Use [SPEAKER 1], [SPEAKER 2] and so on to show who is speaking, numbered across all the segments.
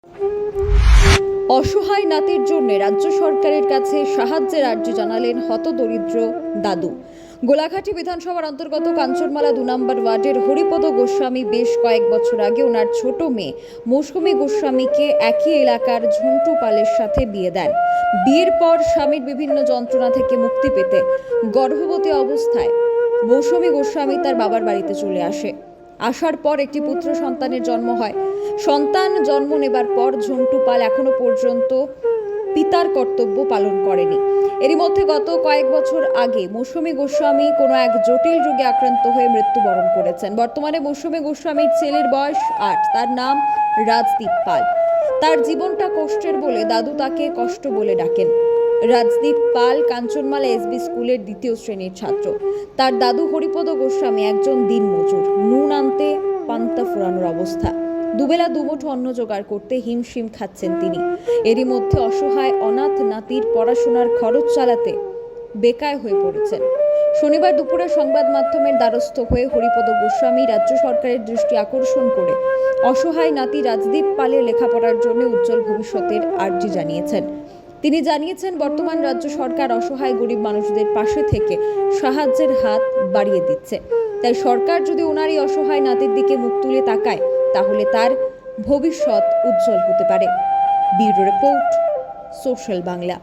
[SPEAKER 1] অসহায় নাতির জন্য রাজ্য সরকারের কাছে সাহায্যের আর্জি জানালেন হতদরিদ্র দাদু। গোলাঘাটি বিধানসভার অন্তর্গত কাঞ্চনমালা 2 নম্বর ওয়ার্ডের হরিপদ গোস্বামী বেশ কয়েক বছর আগে ওনার ছোট মেয়ে মৌসুমী গোস্বামীকে একই এলাকার ঝন্টু পালের সাথে বিয়ে দেন। বিয়ের পর স্বামীর বিভিন্ন যন্ত্রণা থেকে মুক্তি পেতে গর্ভবতী অবস্থায় মৌসুমী গোস্বামী তার বাবার বাড়িতে চলে আসার পর একটি পুত্র সন্তানের জন্ম হয়। সন্তান জন্ম নেবার পর ঝন্টু পাল এখনো পর্যন্ত পিতার কর্তব্য পালন করেনি। এরই মধ্যে গত কয়েক বছর আগে মৌসুমী গোস্বামী কোনো এক জটিল রোগে আক্রান্ত হয়ে মৃত্যুবরণ করেছেন। বর্তমানে মৌসুমী গোস্বামীর ছেলের বয়স 8, তার নাম রাজদীপ পাল। তার জীবনটা কষ্টের বলে দাদু তাকে কষ্ট বলে ডাকেন। রাজদীপ পাল কাঞ্চনমালা এসবি স্কুলের 2য় শ্রেণীর ছাত্র। তার দাদু হরিপদ গোস্বামী একজন দিনমজুর। নুন আনতে পান্তা ফুরানোর অবস্থা। দুবেলা দুমুঠো অন্ন জোগাড় করতে হিমশিম খাচ্ছেন তিনি। এরই মধ্যে অসহায় অনাথ নাতির পড়াশোনার খরচ চালাতে বেকায় হয়ে পড়েছেন। শনিবার দুপুরে সংবাদ মাধ্যমের দ্বারস্থ হয়ে হরিপদ গোস্বামী রাজ্য সরকারের দৃষ্টি আকর্ষণ করে অসহায় নাতি রাজদীপ পালের লেখাপড়ার জন্য উজ্জ্বল ভবিষ্যতের আর্জি জানিয়েছেন। তিনি জানিয়েছেন, বর্তমান রাজ্য সরকার অসহায় গরিব মানুষদের পাশে থেকে সাহায্যের হাত বাড়িয়ে দিচ্ছে। তাই সরকার যদি ওনার এই অসহায় নাতির দিকে মুখ তুলে তাকায় তাহলে তার ভবিষ্যৎ উজ্জ্বল হতে পারে। Bureau report, social Bangla.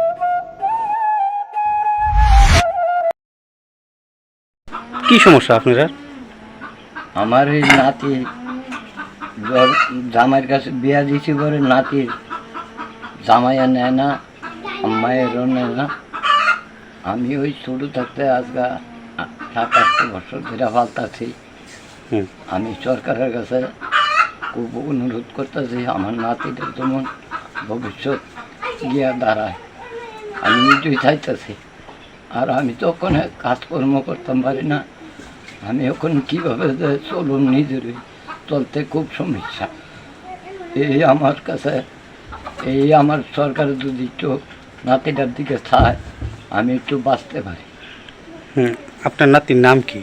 [SPEAKER 2] কি সমস্যা আপনার?
[SPEAKER 3] আমার এই নাতি জামাইয়ের কাছে বিয়া দিয়েছি করে নাতির জামাইয়া নেয় না, মায়েরও নেয় না। আমি ওই ছোটো থাকতে আজকে 7-8 বছর ধরে ফালতাছি। আমি সরকারের কাছে খুব অনুরোধ করতেছি আমার নাতিদের যেমন ভবিষ্যৎ গিয়া দাঁড়ায়। আমি নিজেই চাইতেছি। আর আমি তো ওখানে কাজকর্ম করতাম পারি না। আমি ওখানে কীভাবে যে চলুন নিজেরই চলতে খুব সমস্যা। এই আমার কাছে আমার সরকার যদি একটু নাতিটার দিকে চায় আমি একটু বাঁচতে পারি।
[SPEAKER 2] আপনার নাতির নাম কি?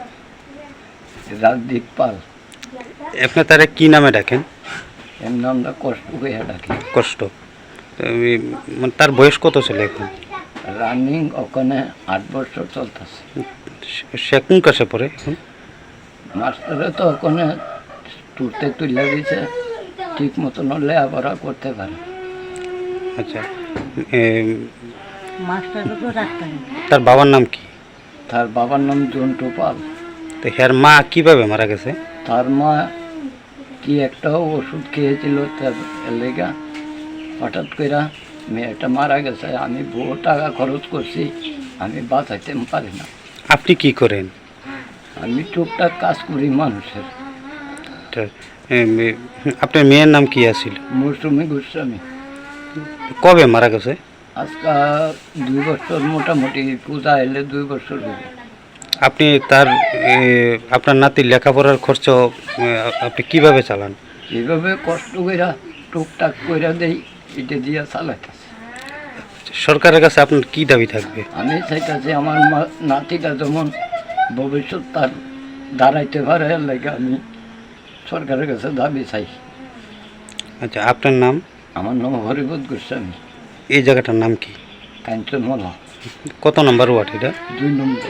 [SPEAKER 3] রাজদীপ পাল।
[SPEAKER 2] আপনি তারা কি নামে ডাকেন?
[SPEAKER 3] এর নামটা কষ্ট হয়ে ডাকি।
[SPEAKER 2] কষ্ট। তার বয়স কত ছিল এখন?
[SPEAKER 3] রানিং ওখানে 8 বছর চলতেছে।
[SPEAKER 2] সে কোন কাছে পড়ে এখন?
[SPEAKER 3] মাস্টারে তো ওখানে তুলতে তুলে দিয়েছে, ঠিক মতন লেখাপড়া করতে পারে।
[SPEAKER 2] আচ্ছা, তার বাবার নাম কি?
[SPEAKER 3] তার বাবার নাম ঝন্টু পাল।
[SPEAKER 2] তো হ্যার মা কিভাবে মারা গেছে?
[SPEAKER 3] তার মা কি একটা ওষুধ খেয়েছিল, তার লেগা হঠাৎ করে মেয়েটা মারা গেছে। আমি বহু টাকা খরচ করছি, আমি বাঁচাইতে পারি না।
[SPEAKER 2] আপনি কি করেন?
[SPEAKER 3] আমি টুকটাক কাজ করি মানুষের।
[SPEAKER 2] আপনার মেয়ের নাম কি আছিল?
[SPEAKER 3] মৌসুমী গোস্বামী।
[SPEAKER 2] কবে মারা গেছে?
[SPEAKER 3] আজকে 2 বছর, মোটামুটি পূজা এলে 2 বছর হবে।
[SPEAKER 2] আপনি আপনার নাতির লেখাপড়ার খরচ আপনি কিভাবে চালান?
[SPEAKER 3] এইভাবে কষ্ট কইরা টুকটাক কইরা দেই, এটা দিয়ে চালাইতেছে।
[SPEAKER 2] সরকারের কাছে আপনার কি দাবি থাকবে?
[SPEAKER 3] আমি চাইতেছি আমার নাতিটা যেমন ভবিষ্যৎ তার দাঁড়াইতে পারে, লাগে আমি সরকারের কাছে দাবি চাই।
[SPEAKER 2] আচ্ছা, আপনার নাম?
[SPEAKER 3] আমার নাম হরিপদ গোস্বামী।
[SPEAKER 2] এই জায়গাটার নাম কি?
[SPEAKER 3] কাঞ্চনমালা।
[SPEAKER 2] কত নম্বর ওয়ার্ড এটা?
[SPEAKER 3] 2 নম্বর।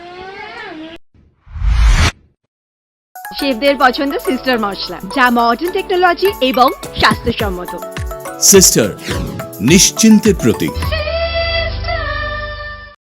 [SPEAKER 4] শেফদের পছন্দ সিস্টার মশলা, যা মডার্ন টেকনোলজি এবং স্বাস্থ্যসম্মত।
[SPEAKER 5] সিস্টার, নিশ্চিন্তের প্রতীক।